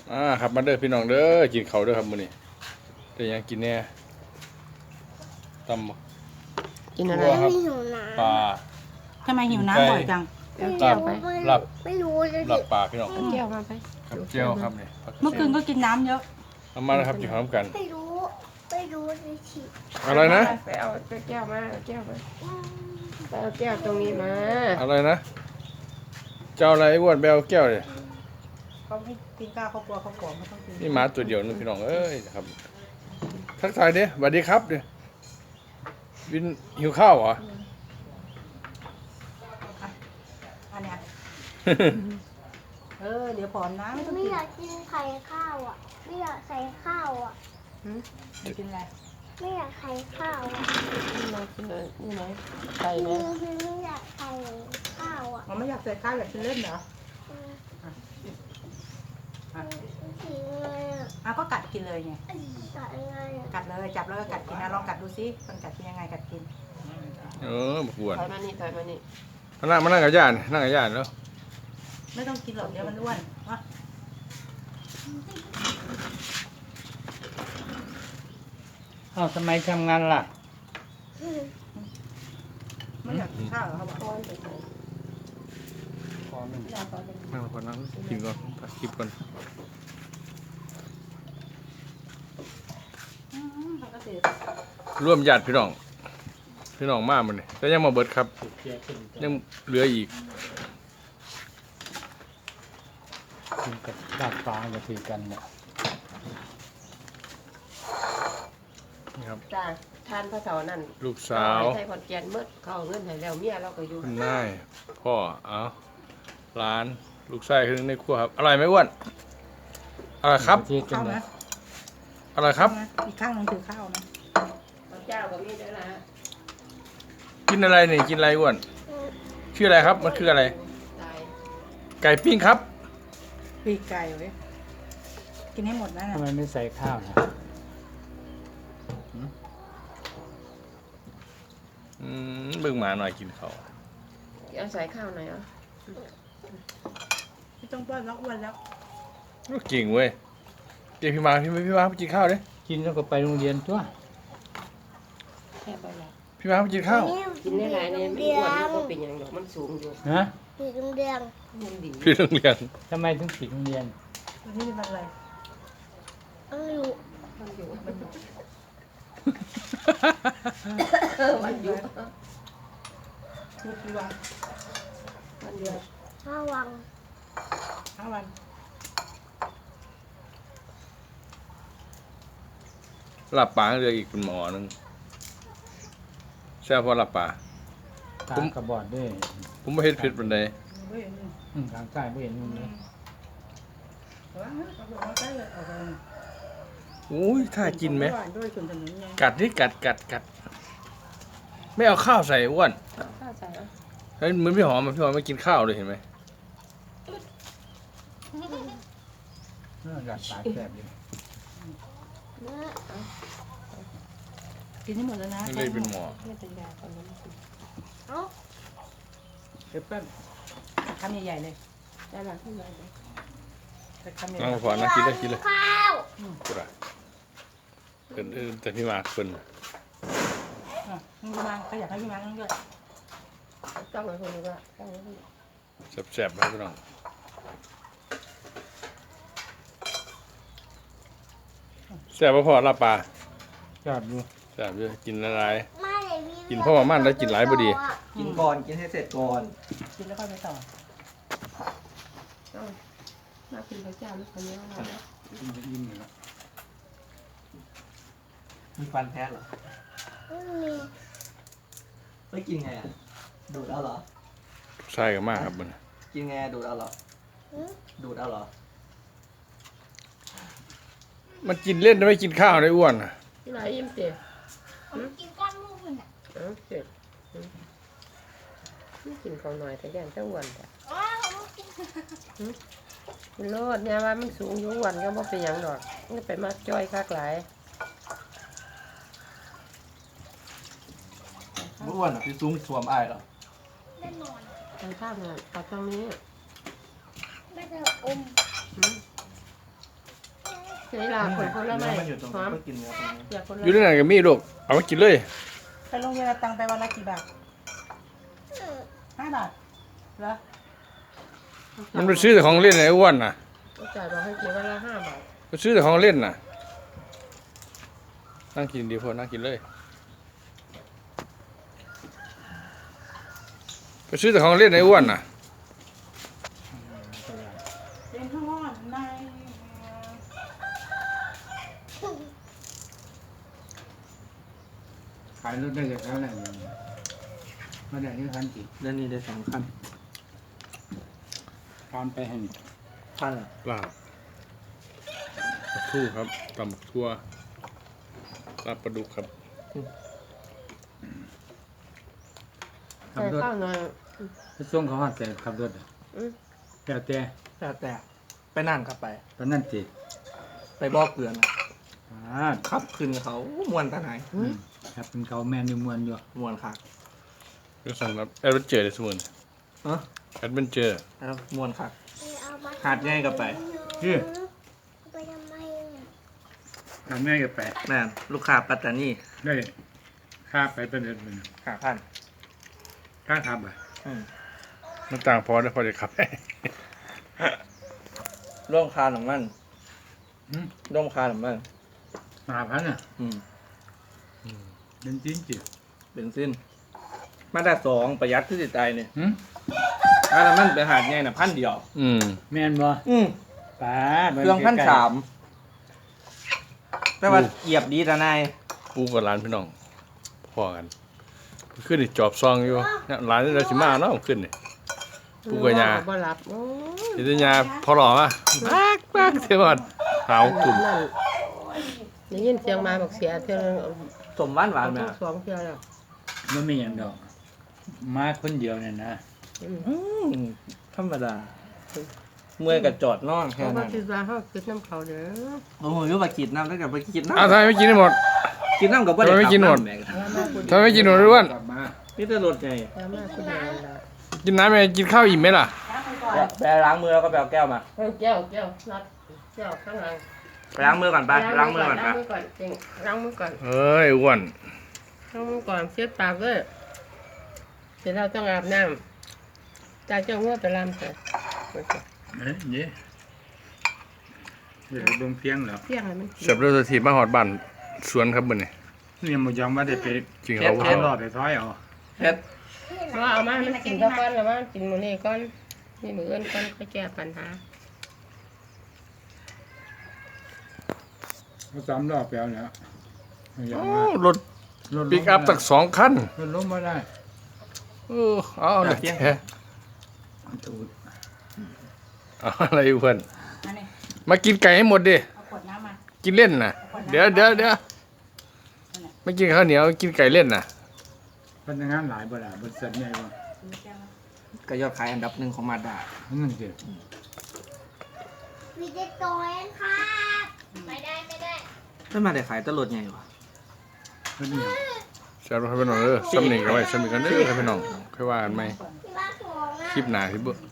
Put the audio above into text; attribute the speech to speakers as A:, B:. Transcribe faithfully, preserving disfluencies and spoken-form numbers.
A: อ่าครับมาเด้อพี่น้องเด้อกินข้าวเด้อครับมื้อนี้ได้หยังกินแน่ตำบัก
B: กินอะไร
A: ทั่วครับ
C: ไม่หิวน้
A: ปลา
D: ทำไมหิวน้ำบ่อยจัง
C: ำ
B: เอาแก้วไป
C: ไม่
A: หลับ
C: ไม่รู้เลย
A: หลับปลาพี่น้อง
B: เอาแก้วมาไป
A: กับเจียวครับนี่
D: เมื่อคืนก็กินน้ำเยอะ
A: เอามาแล้วครับกินข้าวน้ำกัน
C: ไม่รู้ไม่รู้เลยฉีด
A: อะไรนะ
B: ไปเอาแก้วมาเอาแก้วมาไปเอาแก้วตรงนี้มา
A: อะไรนะเจ้าอะไรอ้วนไปเอาแก้วเลย
D: เขาไม่กินข้าวเขากลัวเขาผอมเขาต้องกิน
A: นี่หมาตัวเดียวนึงพี่น้องเอ้ยครับทักทายเด้สวัสดีครับเด้วินหิวข้าวเหรอ
D: อันเนี้ยเออเดี๋ยวผอมนะไม่ต้อง
C: ไม่
D: กิน
C: อยากกินไข่ข้าวอ่ะ ไม่อยากใส่ข้าวอ่ะ
D: ไม่กินอะไร
C: ไม่อยากใส่ข้าวอ่ะ
B: นี่มากินเลยนี่ไหมไก่ไหม
C: คือไม่อยากใส่ข้าวอ่ะ
D: มันไม่อยากใส่ข้าวอยากกินเล่นเหรอ
C: อืม
D: อ่ะ
C: สีอะไรอ่ะ
D: อ่ะก็กัดกินเลยไง
C: กัดอะไรอ่ะ
D: กัดเลยจับแล้วก็กัดกินนะลองกัดดูซิมันกัดกินยังไงกัดกิน
A: เออบักอ้วน
B: ถอยมานี่ถอยมานี่
A: มานั่งมานั่งกับย่านนั่งกับย่านแล้ว
D: ไม่ต้องกินหรอกเดี๋ยวมันอ้วนวะ
E: อ้าวทำไมทำงานล่ะ
D: ไม่อยากกินข้าวเหรอเขาบอก
B: ก้อนไปไหน
E: พอมัน
B: ยาก้อนไปไหน
A: นั่งก่อนนั่งกินก่อนพักคลิปก่อน
D: อืมเขาก็เสีย
A: ร่วมญาติพี่น้องพี่น้องมากมันนี่แต่ยังมาเบิดครับ
E: ติดเชื้อขึ้น
A: ยังเหลืออีก
E: กินกับดาดฟ้าจะถือกันเนี่ย
A: นี่ครับ
B: จ้าทานพระเสานั่น
A: ลูกสาว
B: ใส่ขอนแก่นมืดเขาเอาเงินให้แล้วเมียเราก็อยู่
A: คุณนายพ่อเอาร้านลูกชายคือในครัวครับอร่อยไหมอ้วนอร่อยครับ
E: ถือกัน
D: ข้าว
E: เนี่
D: นะ
E: ย
A: อร่อยครับ
D: อีกข้างหนึงถือข้าวนะ
B: ข้าวเจ้าก็มีด้วยนะ
A: กินอะไรนี่กินอะไรอ้วนชื่ออะไรครับมันคืออะไร
B: ตาย
A: ไก่ปิ้งครับ
D: ปีกไก่เว้ยกินให้หมดนะ
E: ทำไมไม่ใส่ข้าวนะ
A: อืมเบิ่งหมาหน่อยกินเขาว
B: เอาใส่ข้าวหน่อยเหรอ
D: ไม่ต้องป้อนแล้วอ้วนแล้ว
A: เก่งเว้ยเดี๋ยวพี่มาพี่มาพี่มาไปกินข้าวดิ
E: กินแล้วก็ไปโรงเรียนตัว
B: แค่ไปละ
A: พี่มาไปกินข้าว
B: กินได้หลายเนี่ยไม่อ้วนมันก็เป็นอย่างดอกมันสูงอยู่
E: ฮะ
C: สีแดง
B: มันดี
A: พี่โรงเรียน
E: ทำไมถึงปิดโรงเรียน
D: วันนี้เป็นวันอะไร
C: ๆไม่รู้
B: มันอยู่เออมันอยู่
D: มีกี่วัน
B: มันอยู่
C: ห้าวัง
D: ห้าวัน
A: หลับปลาเหลืออีกเป็นหมอหนึงแซ่บพอหลับปลา
E: ตา
A: ผม
E: กระบอดด้วย
A: ผมไม่เห็นผิดปานใด
D: เฮ้ยนี่
E: อืมทางใต้ไม่เห็นมึงเลย
D: เอาละเอาไปเอาใกล้เลยเอาไป
A: อุ้ยถ้ากินไหม
D: ด้วยส่วนถนนไง
A: กัดนี่กัดกัดกัดไม่เอาข้าวใส่อ้วน
B: ข้าวใส่เหรอ
A: เฮ้ยเหมือนพี่หอมอะพี่หอมไม่กินข้าวเลยเห็นไหม
E: เออดาดฟ้าแสบเลย
C: เนื้อ
D: กินให้หมดแล้วนะ
A: ไม่เลยเป็นหมอ
B: ไม่เป็นยาตอนนั้น
C: เอ้า
D: เดี๋ยวแป๊บคำใหญ่ๆเลย
B: ได้ละขึ้นมาเลย
D: แต่คำใหญ่
A: นั่งพอนะกินเลยกินเลย
C: ข้าว
A: กูได้เอินเอินแต่พี่มาเพิ่น
D: ๆอ่ะมึงดูมาก็อยากให้พี่มานั่งด้วย
B: ต้องมาคนนี้ว่าต้องมาคนนี้
A: แซ่บๆนะพี่น้องแซ่บบ่พอลาบปลา
E: จอดดู
A: แซ่บเยอะกินละลาย
C: ไม่เลยพี่
A: กินเพราะว่ามันแล้วกินหลายบ่ดี
F: กินก่อน กินให้เสร็จก่อน
D: กินแล้วค่อยไปต่อ
B: ต้องมากินข้าวเจ้าลูกคนนี้ว่าแล้ว
E: กินจะอิ่มอยู่แล้ว
F: มีฟันแท้เหรอ
C: ไม่มี
F: ไม่กินไงอ่ะ ดูดเอาเหรอ
A: ใช่กันมากครับมัน
F: กินไงดูดเอาเหรอ
C: หืม
F: ดูดเอาเหรอ
A: มันกินเล่นไม่กินข้าวได้อ้วนน่ะ
B: ที่ไหนยิ้มเตี๋ย
C: ผมกินก้อนลูกมันอ่ะ
B: เออเจ็บไม่กินเขาหน่อยแต่แกงเจ้าอ้วนแต่
C: อ้าวผมกิน
B: มันโลดเนี่ยว่ามันสูงอยู่อ้วนก็บ่เป็นหยังดอกมันไปมาจ้อยคักหลาย
F: เมื่อวันอ่ะพี่ซุ้มสวมอายเหรอ
C: แน่นอน
B: ทางข้างน่ะตัดตรงนี้
C: ไม่ได้อม
B: หืมเวลาคนคนละไม่
F: มันอยู่ตรง
B: หอ
F: นี้
B: ม
F: ก็กินเนื้อตรงนี้
B: อยากคนละ
A: อยู่ในนั้นก็มีลูกเอามากินเลย
D: ไปโรงเรียนเอาตังค์ไปวันละกี่บาทห้าบาทเหรอ
A: มันไปซื้อแต่ของเล่นไอ้อ้วนน่ะ
B: ก็จ่ายบอกให้กินวันละห้าบาท
A: ไปซื้อแต่ของเล่นน่ะนั่งกินดีพอนั่งกินเลยไปซื้อแต่ของเล่นไอ้อ้วนน่ะ
D: เป็นข้างนอกใน
E: ขายรถได้จากเท่าไหร่อย่างนี้มาได้ที่คันกี่
F: แล้วนี่ได้สองขั้น
E: ตามไปให้
F: ขั้นอ่ะ
A: ลาบปลาทูครับตำบักทั่วลาบปลาดุกครับ
E: ขับ
B: ใส่
E: รถ
B: ข้าวหน่อย
E: ไปส่งเขาหัดแต่ขับรถอะ
B: อืม
E: แต่แต่
F: แต่แต่ไปนั่งกลับไป
E: ตอนนั้นติ
F: ไปบอกเกลือนอะ
E: อ่า
F: ขับขึ้นกับเขามวนตาไหน
E: อืมครับเป็นเขาแมนอยู่มวนอยู่
F: มวนค่ะ
A: ก็สั่งรับแอดเวนเจอร์เลยสมุน
F: เออ
A: แอดเวนเจอร์
F: แล้วมวนค่ะ
C: เอามา
F: หาดง่ายกลับไป
E: คือ
C: ไปทำไมอะ
E: ทำง่ายกับแปะ
F: แม่นลูกค้าปัตตานี
E: ได้ค่าไปเป็นเดือนหนึ่ง
F: หาพัน
E: ค่าทับอ่ะ
F: อืม
A: มันต่างพอได้พอจะขับ
F: ร่วมคาหนังมัน
E: อืม
F: ร่วมคาหนังมัน
E: ห้าพันอ่ะ
F: อืม
E: เป็นจริงจิ
F: เบนซินมาได้สองประหยัดที่จิตใจเนี่ย
E: หืม
F: ถ้าน้ำมันไปหาดง่ายน่ะพันเดียว
A: อืม
E: แมนบ่
F: อืม
E: ป้าด
F: เครื่องพันสามแต่ว่าเหยียบดีแต่นาย
A: กูกับร้านพี่น้องพอกันขึ้นนี่จอบซองอยู่เนี่ยร้านนี้เราสิมาเนาะขึ้นนี่ ผู้กวยา
B: บ่หลับโอ้ย
A: นิตยาพอหล่อมาปักปักเท่ากันหาวกลุ่ม
B: นั่นได้ยินเสียงมาบอกเสียเท่านึงเอา
F: สมหวานหวาน
B: เอา
F: ไหม
B: ทั้งสองเท่าแล้ว
E: มันไม่อย่างดอก มาคนเดียวเนี่ยนะ
B: อืม
F: อืมธรรมดา เมื่อยกับจอดนอน
B: เพ
F: แค่
B: ราะว่า
F: นั้น
B: คิดว่าเขาคิดน้ำเขาเด้อ
F: โอ้โหยกไปกินน้ำแล้วกับไปกินน้ำ
A: อ้าวทำไมไม่กินให้หมด
F: กินน้ำกับ
A: ทำไมไม่กินหมด
F: แม่ง
B: แล้วมาคุณ
A: ทำไมไม่กินหมดด้วย
E: กลับมา
F: นี่จะรถไง
B: แล้วมาคุณเดียวละ
A: กินน้ำไหมกินข้าวอิ่มไหมล่ะ
D: ล้างมือก่อน
F: ไปล้างมือแล้วก็ไปเอาแก้วมา
B: เฮ้ยแก้วแก้วนัดแก้วข้างหลัง
F: ไปล้างมือก่อนไปไปล้างมือก่อนไป
B: ล้างมือก่อนจริงล้างมือก่อน
A: เอ้ยอ้วน
B: ล้างมือก่อนเช็ดปากด้วยเสร็จแล้วต้องอาบน้ำจากเจ้าเมื่อไปลำเสร็จ
E: เอ้ยนี่เดี๋ยวเบิ่งเพียงแล้ว
B: เที่ยงให้มัน
A: เสียบด้วยสถีมาหอดบ้านสวนครับมื้อนี้
E: นี่มันยอมว่าได้ไป
A: จริง
E: เอา
A: เขา
E: เอารอดไปท้อยเอา
F: เฮ็ด
B: ว่าเอามามันกินข้าวก้อนแล้วมากินหมูนี่ก้อนนี่มืออื่นก้อนไปแก้ปัญหา
E: เอาสามรอบไปเอาแล้วมันยอม
A: โอ้
E: ว่าร
A: ถ
E: รถ
A: ปิกอัพตั้งสองคัน
E: รถล้มมาได้
A: เออเอาหน่อยแค่
E: ตูด
A: เอาอะไรเพื่อน
D: อันนี้
A: มากินไก่ให้หมดดิ
D: เอาขวดน้ำมา
A: กินเล่นน่ะ เดี๋ยวเดี๋ยวเดี๋ยวไม่กินข้าวเหนียวกินไก่เล่นน่ะ
E: พนักงานหลายบ่ล่ะบริษัทใหญ่บ่
F: ก็ยอดขายอันดับหนึ่งของมาดา
E: นั่นสิ
C: มีเด็กตัวเองครับไม่ได้ไม่ได้
F: ไม่มาได้ขายตลอดไงวะ
E: เพิ่นนี่
A: เสียบให้พี่น้องเออซ้ำหนึ่งกันไว้ซ้ำหนึ่งกันเด้อให้พี่น้องค่อยว่ากันไหม
C: ที่ว่าของอ่ะ
A: คลิปหน้าที่เบิ่ง